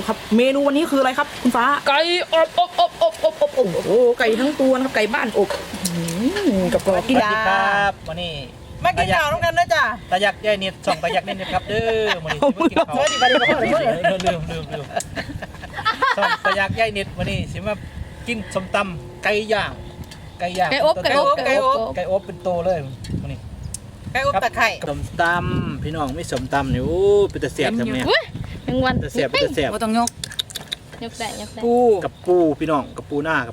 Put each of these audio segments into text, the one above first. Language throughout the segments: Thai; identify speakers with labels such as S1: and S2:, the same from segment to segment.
S1: ครับเมนูวันนี้คืออะไรครับคุณฟ้า
S2: ไก่อบ
S1: โอ้โหไก่ทั้งตัวนะครับไก่บ้านอบกับกรอบกิน
S3: สวัสดีครับวันนี้
S4: มากินข้าวน้องกันนะจ๊ะ
S3: ตายักยายนิดส่องตายักนิดครับเด้อวันนี้สิมากินข้าว
S4: สวัสดีครับ
S3: ลืมส่องตายักยายนิดวันนี้สิมากินส้มตำไก่ย่างไก่อบเป็นโตเลยวันนี้
S4: ไก่อบตะไคร้
S3: ส้มตำพี่น้องไม่ส้มตำนี่โอ้เป็นตะเสียบทำเนี่ย
S2: ทั้งวัน
S3: ตะเสียบเป็นตะเสียบ
S4: บ่ต้องยก
S2: ยกได้
S4: ปู
S3: กับปูพี่น้องกับปูหน้า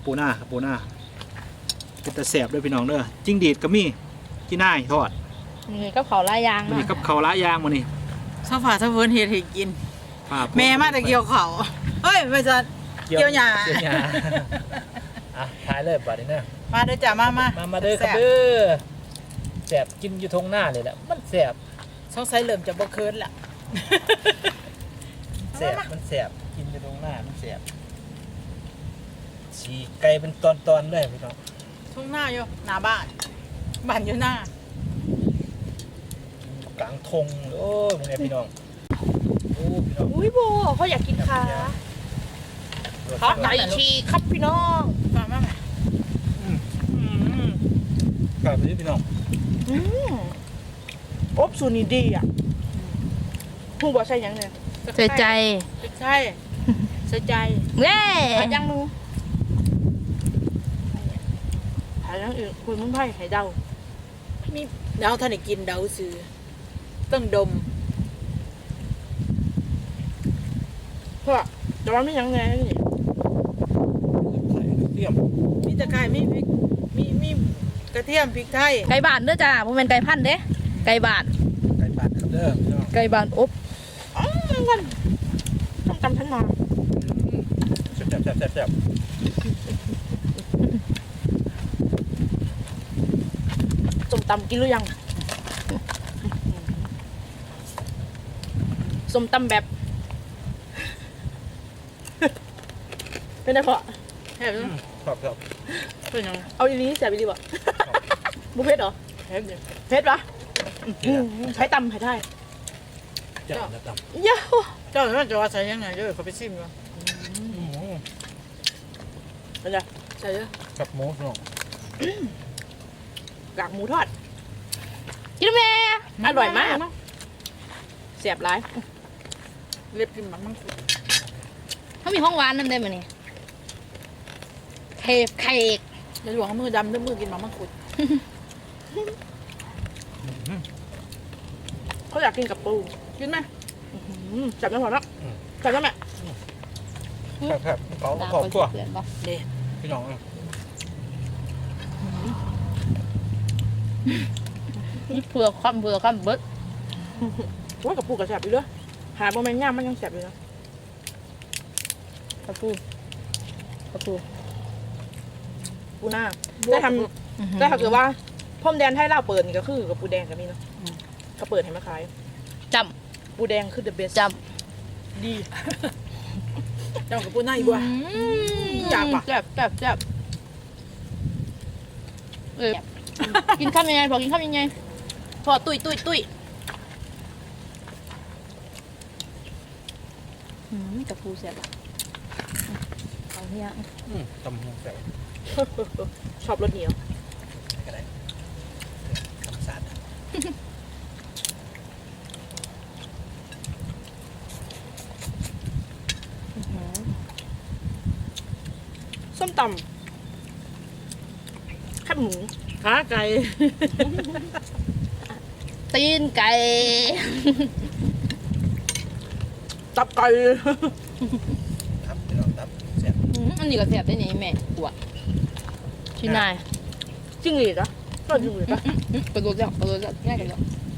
S3: เป็นตะเสียบด้วยพี่น้องเด้อจิ้งดีดก็มีที่น่ายทอด
S2: นี่ก็เผาลายยาง
S3: วันนี้
S2: เนาะ
S3: กับข้าวละย่างวันนี้
S4: ซาฟาซาเฟิร์นเฮ็ดให้กิน แม่มาแต่เกี่ยวเขาเฮ้ยไม่จัดเกี่ยวหญ้า
S3: อ่ะถ่ายเลยบัดนี้นะ
S4: มาเด้อจ้ะมา
S3: เด้อครับเด้อแสบกินอยู่ทงหน้าเลยแหละมันแสบ
S4: สงสัยเริ่มจะบ่เคินละ
S3: แสบมันแสบกินอยู่ตรงหน้ามันแสบฉีกไก่เป็นตอนๆเลยพี่น้อง
S4: ทุ่งหน้าอยู่หน้าบ้านบ้านอยู่หน้า
S3: กลางทงโอ้ยมึงไงพี่น้องโอ้พี่น้อง
S1: อุ้ยโบเขาอยากกินขาขาไก่ฉีกครับพี่น้อง
S4: มามา
S3: กลับไปพี่น้อง
S1: อบสูตรนี้ดีอ่ะหูบอกใช่ยังเนี่ย
S2: ใส่ใจ
S4: ใช่ใส่ใจ
S2: เย้
S1: หายังมึงหายังอื่นคุณมึงไพ่ไข่เดา
S4: มีเดาท่านได้กินเดาซื้อต้องดม
S1: เพราะแต่ว่าไม่ยังไงนี่
S3: ไข่เทียม
S4: มีตะไคร้มีพริกมีกระเทียมพริกไทย
S2: ไก่บานเด้อจ้าบ่แม่นไก่พันธุ์เด้ไก่บาน
S3: ไก่บาดครับเด้อพี่น้อง
S2: ไก่บานอบ
S1: กันต้องจำฉันมา
S3: แซ่บ
S1: ส้มตำกินหรือยังส้มตำแบบ เป็นไงพอ
S4: แซ่บ
S3: ครับ
S4: เป็นยัง
S1: เอาอีนี้แสบอีนี้บ่บุฟเฟ่ต์เหรอ
S4: แซ่บอยู่
S1: เพชรปะใช้ตำใช้ได้
S3: จับนะจับ
S1: เย้า
S4: เจ้าน่าจะว่าใส่ยังไงเด้อเขาไปชิมก่อน
S1: เป็นไง
S4: ใส่เด้อ
S3: กับหมูพี่น้อง
S1: กากหมูทอด
S2: กินแม่
S1: อร่อยมากเสียบร้าย
S4: เล็บกินมันมังคุด
S2: เขามีห้องหวานนำได้มื้อนี้เค้ก
S4: อย่าหลวงมือดำด้วยมือกินมันมังคุด
S1: เขาอยากกินกับปูกินไหมจับได้พอแล้วจับได้ไหม
S3: ครับเขา
S2: ดาว
S3: ขอบ
S2: คน
S3: ตัว
S2: เปลี่ยนบ่
S4: เด้
S3: พี่น้อง
S2: เผื่อความเบิด
S1: ว่ากับปูกับแสบอยู่ด้วยหาโมเมนต์ย่ามมันยังแสบอยู่นะ
S2: กระปูกระปู
S1: ปูหน้าได้ทำได้ถ้าเกิดว่าพรมแดนไทยเล่าเปิดนี่ก็คือกับปูแดงกับมีเนาะก็เปิดให้มาขาย
S2: จ
S1: ปูแดงคือ the best
S2: ำจ
S1: ดี
S4: เจ้ากับปูหน้าอีกว่า
S2: ำ
S4: อยากปะ
S2: แซ่บกินข้าวยังไงพอกินข้าวยังไงพอตุยกระปูแซ่บอ่ะเอาเนี่ย
S3: ตำหูแซ่บ
S1: ชอบรสเหนียว
S3: ก็ได้คำสาด
S1: ส้มตำแคบหมู
S4: ขาไก่
S2: ตีนไก่
S1: ตับไก่
S3: ครับพี่น้องตับแซ่บ
S2: อันนี้ก็แซ่บได้นี่แม่ตัวชิ้นนาย
S1: จิ้งหรีดเหรอชอบจิ้งหรีดปะ
S2: กระโดดแล้วง่ายกันแล้ว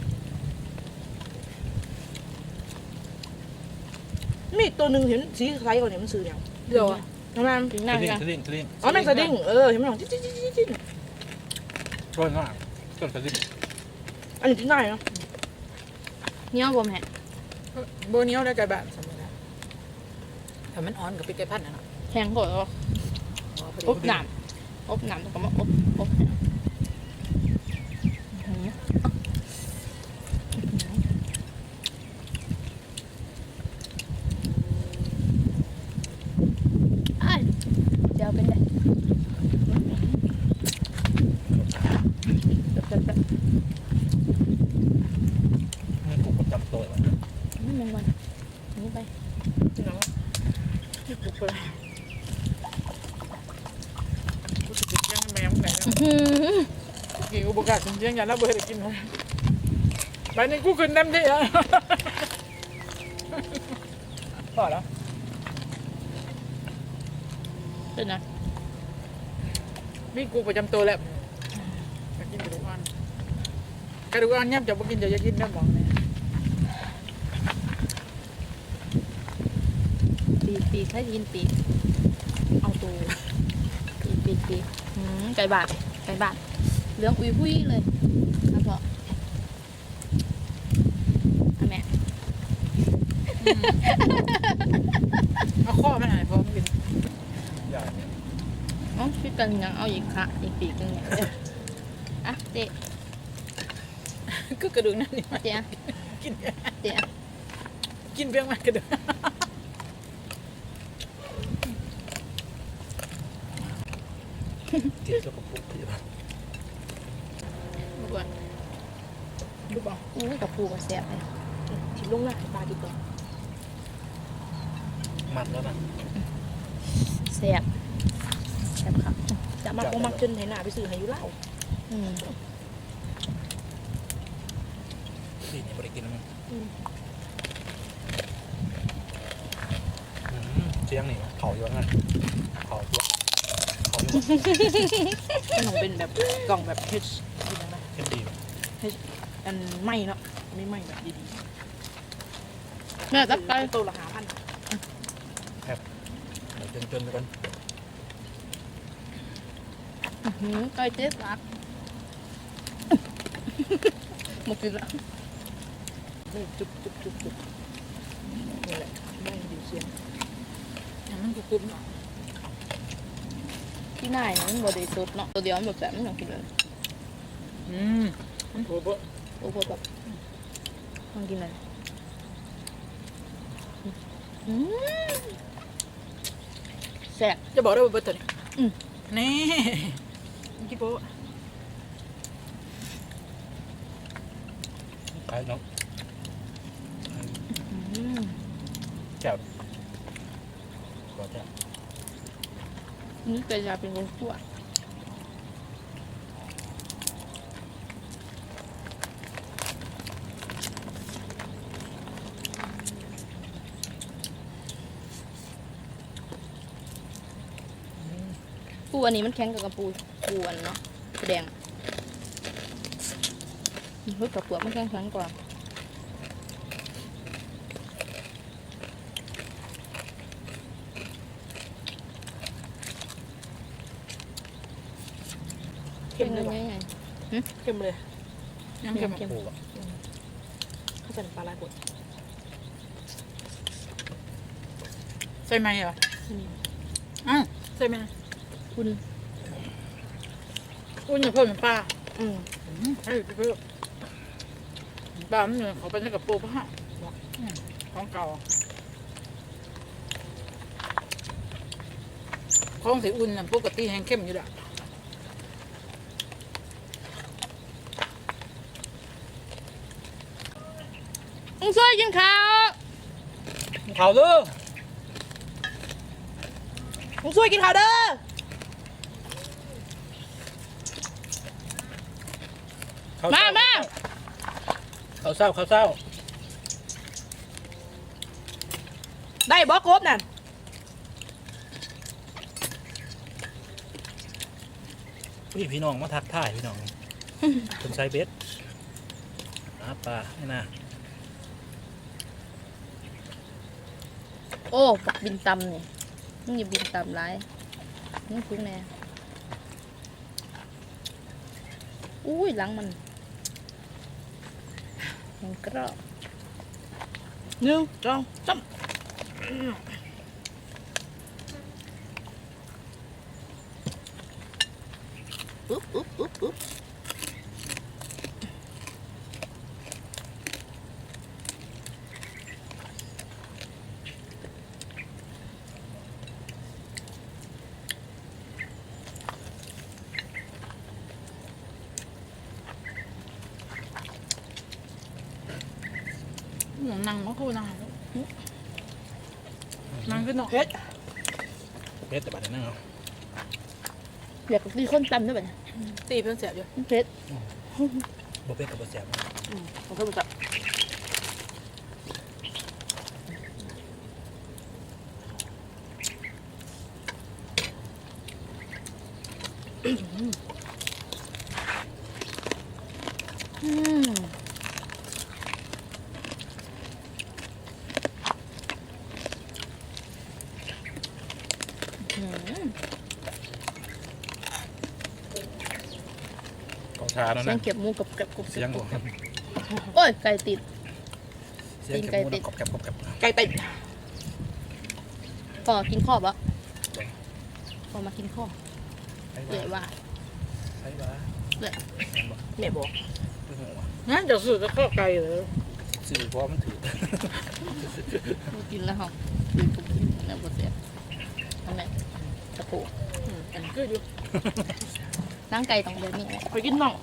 S1: มีอีกตัวหนึ่งเห็นสีคล้ายกว่าเนี่ยมันซื้อเนี่ย
S4: เดี๋ยว
S1: ทำไม
S2: ชิ้นนายกัน
S3: สลิง
S1: อ๋อแมงสดิ้งเห็นไหมหนองจิ๊ด
S3: ร้อนมากต้นสลิง
S1: อันนี้ที่ไหนเนาะ
S2: เนี่ยผมแฮะ
S4: โบเนียวได้ไก่แบบสมมตินะถ้ามันอ่อนกับปีกไก่พันธุ์นะเนาะ
S2: แทงก่อนอบหนามแล้วก็มาอบ
S1: เนาะ
S4: นี่ปลุกไปเลยกูจะกินยังแมวไหนนะ กินกูประกาศจริงๆอย่างนั้นเบอร์ได้กินเลยไปนี่กูขึ้นน้ำที่อ่ะ
S3: พอแล้ว
S2: เป็นไง
S4: นี่กูประจำตัวแล้วจะกินกระดูกอ่อนกระดูกอ่อนเนี่ยจะมากินจะกินได้บอกเนี่ย
S2: ปีให้ยินปีเอาตัวปีไก่บาทเหลืองอุ้ยพุ้ยเลยครับพ่ออันแม่
S4: เอาข้อมันหายพอมันกิน
S3: ใหญ่
S2: อ๋อพี่กันยังเอาอีกค่ะอีกปีกนึงเนี่ยอ่ะเจ๊
S4: ก็กระดูกนั่นนี่
S2: เจ๊
S4: กิน
S2: เจ๊
S4: กินเพียงมันกระดูก
S3: กินกับปุกอยู่
S2: ดูก่อน
S1: ดูบอก
S2: อู้กับปูกับแซ่บเลย
S1: ชิมลุงนะปลาดีกว่า
S3: มันแล้วนะ
S2: แซ่บครับ
S1: จะมาคงมักจนไหนหน้าไปซื้อให้อยุเล่า
S2: อืม
S3: นี่นี่ไม่ได้กินมั้งเชียงนี่เผาอยู่งั้นเผาตัวเผาอยู่
S1: มันต้องเป็นแบบกล่องแบบเฮชกินอะไร
S3: เค็มดี
S1: อันไม่เนาะไม่ไหม้แบบดี
S2: แม่
S1: ๆ
S2: ตักไก่
S1: ตัวละ5,000
S3: เดี๋ยวจนๆไปกัน
S2: ไก่เจ๊ตักหมดกินละ
S1: นี่จุ๊บนี่แหละไม่ดีเชียง
S4: อย่างนั้นกูคุ้มเนาะ
S2: ที่ไหนมันบริสุทธิ์เนาะตัวเดียวมันแบบมันอย่างกินเลย
S4: มันโผล่บ่
S2: โอ้โหแบบมันกินอะไรแซ่บ
S4: จะบอกได้ว่าเบอร์ตัวนี้
S2: อืม
S4: นี่กินโป๊ะ
S3: ขายน้องแจ่วขอแจ่ว
S2: นี่เป็นยาเป็นคนชั่วปูอันนี้มันแข็งกับปูอันเนาะปูแดงอะเฮ้ยกับเปลือกมันแข็งกว่า
S1: เข้มเลย
S2: ไง
S1: ว่ะ
S2: ไง
S1: เข้มเลย
S4: ยังเค็ม
S2: เข้ม
S3: ปูอ่ะ
S1: เข้าใส่ปลาลายบด
S4: ใส่ไหมเหรอ
S1: นี่
S4: อ้าวใส่ไหม
S2: คุณ
S4: อุ้ยอย่าเพิ่มเป็นปลา
S1: อืม
S4: ให้เพิ่มปลามันเนี่ยเขาเป็นกับปูปะฮะของเก่าของสีอุ่นน่ะปกติแห้งเข้มอยู่แล้ว
S2: มึงช่วยกินข้าว
S3: เผาเด้อ
S1: มึงช่วยกินข้าวเด้อ
S2: มา
S3: ข้าวเศร้าข้าวเศร้า
S1: ได้บอสครบนั่น
S3: พี่น้องมาทักทายพี่น้องคนไซเบสปลาไม่น่า
S2: โอ้ปักบินตำนี่มึงอย่าบินตำไรมึงคุ้งแน่อุ้ยหลังมันกรอบ
S1: 1 2 3
S4: นั่งมาคู่นั่งนั่งขึ้นเนาะ
S1: เผ็ด
S3: เพชรแต่บัดนั้นเอา
S2: อยากกินคนตำด้วยแบบนี้
S1: ตีเพิ่งเสียอยู่
S2: เผ็ด
S3: บ่เพชรกับบ่แซ่บ
S1: ผมก็รู้จัก
S2: อืมอืม
S3: ของชาแล้ว
S2: เสีย
S3: นะ
S2: งเก็บหมูกับกับกรุบ
S3: เสียงบ่
S2: โอ้ยไก่ติด
S3: เสียงเก็บหมูกรอบกรอบกรอบ
S1: ไก่ติด
S2: ก็กินข้อปะพอมากินข้อ
S3: ไอ้
S2: ใหญ่
S3: บ้า
S2: ว่า
S3: ไอ้บ้า
S1: แม่บอก
S4: งั้นจะซื้อจะข้อไก่เลย
S3: สื่อเพราะมันถือ
S2: กินแล้วเหรอกินปุ๊บกินแล้วบดเสียทำไมตะปู
S4: อันก็อยู่
S2: ร่างไก่ต้องเดินนี่แหละ
S1: ไปกินน่อง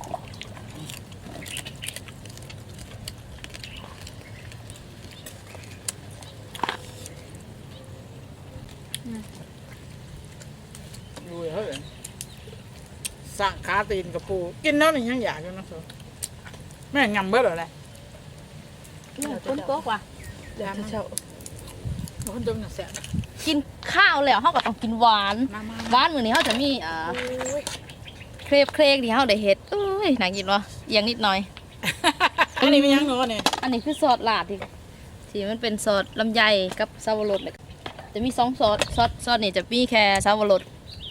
S4: ดูเฮ้ยสั่งขาตีนกับปูกินแล้วนี่ยังอยากอยู่นะเธอแม่งำเบิดอะไร
S2: คนโต๊ะว่ะ
S1: เดี๋ยวเช้า
S4: คนดมหนักแสบ
S2: กินข้าวแล้วเขาก็ต้องกินหวาน
S4: มา
S2: หวานมื้อนี้เขาจะมีเครปที่เขาได้เฮ็ดอุ้ยน่ากินวะอย่างนิดหน่อย
S4: อันนี้มียังเนาะเนี่ย
S2: อันนี้คือซอสลาดที่มันเป็นซอสลำไยกับซาวรสเลยจะมี2ซอสนี่จะมีแค่ซาวรส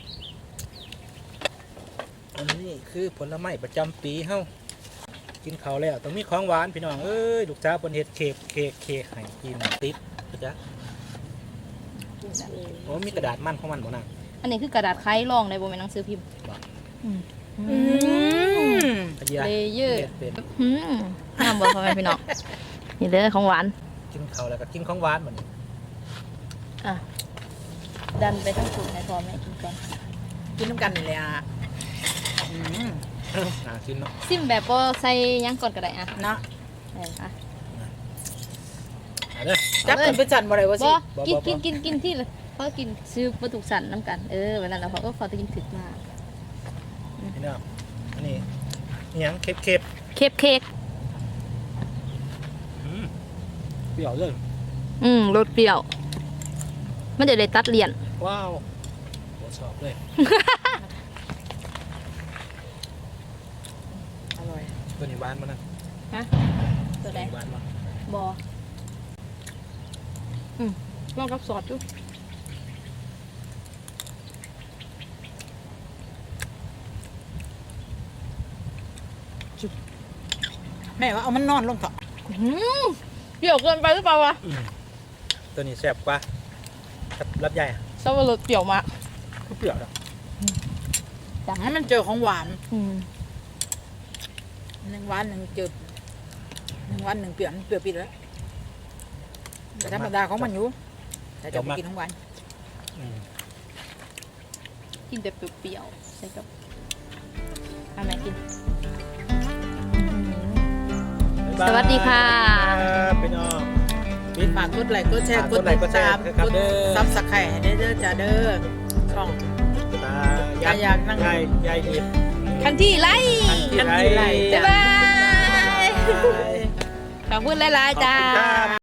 S3: อันนี้คือผลไม้ประจำปีเฮากินข้าวแล้วต้องมีของหวานพี่น้องเอ้ยลูกสาวเพิ่นเฮ็ดเค้กให้กินติดจ้ะโอ้มีกระดาษมันของมันบ่นาง
S2: อันนี้คือกระดาษไขรองในบ่แม่นหนังสือพิมพ์
S3: พะเยา
S2: เลเยอร์
S3: เฮ็ดเป็น
S2: น้ำบ่พ่อแม่พี่น้องนี่เด้อของหวาน
S3: กินข้าวแล้วก็กินของหวานบัดนี้
S2: อ่ะดันไปทั้งสูตรให้พ่อแม่กินก่อน
S4: กินน้ำกันนี่แหละ
S3: น่ากินเนาะ
S2: ซิมแบบบ่ใส่หยังก่อนก็ได้อ่ะ
S4: เนาะ
S2: อ่ะ
S3: เอาเด้อ
S4: จับเป็นไปจันบ่ได้ว่าสิ
S2: บ่กินที่เลยเพราะกินซื้อบ่ถูกสั่นน้ำกันวันนั้นแล้วเขาก็ขอจะกินถึกมาก
S3: พี่น้องอันนี้อิหยังเค้ก
S2: เค้ก
S3: เปรี้ยวเลย
S2: รสเปรี้ยว มันจะได้ตัดเลี่ยน
S3: ว้าวโหชอบเลย
S4: อร่อย
S3: ตัวนี้หวานมานะ
S2: ตัวใด
S3: หวานมา
S2: บ่ลองกับซอสดู
S4: แม่ว่าเอามันนอนลงเถอะ
S2: เปรี้ยวเกินไปหรือเปล่าวะ
S3: ตัวนี้แซ่บกว่ารับใหญ่อะ
S2: ซอสรสเปรี้ยวมาก
S3: ก็เปรี้ยวแล้ว
S4: ให้มันเจอของหวาน
S2: อืม
S4: หนึ่งหวานหนึ่งจืดหนึ่งหวานหนึ่งเปรี้ยวเปรี้ยวปิดแล้วแต่ธรรมดาของมันอยู่แต่จะไปกินของหวาน
S3: อืม
S2: กินแบบเปรี้ยวๆใส่กับทำไหนกิน
S3: บ๊ายบาย
S2: สวัสดีค่ะ
S3: ครับพี่น้อง
S4: ฝากกดไลค์กดแชร์
S3: ฝาก
S4: ก
S3: ก
S4: ด
S3: ดไล
S4: ติ
S3: ค์
S4: ด
S3: กดแชร์
S4: ตาม
S3: ครับ
S4: กด
S3: เด้อ
S4: ซับสไครต์ให้ได้เด้อจ้าเด้อช่อง อยากนั่ง
S3: ยายนิด
S2: คันที่ไล่
S3: ที่ไร
S2: บ๊ายบาย ขอบคุณหลายๆจ้า
S3: ขอบคุณครับ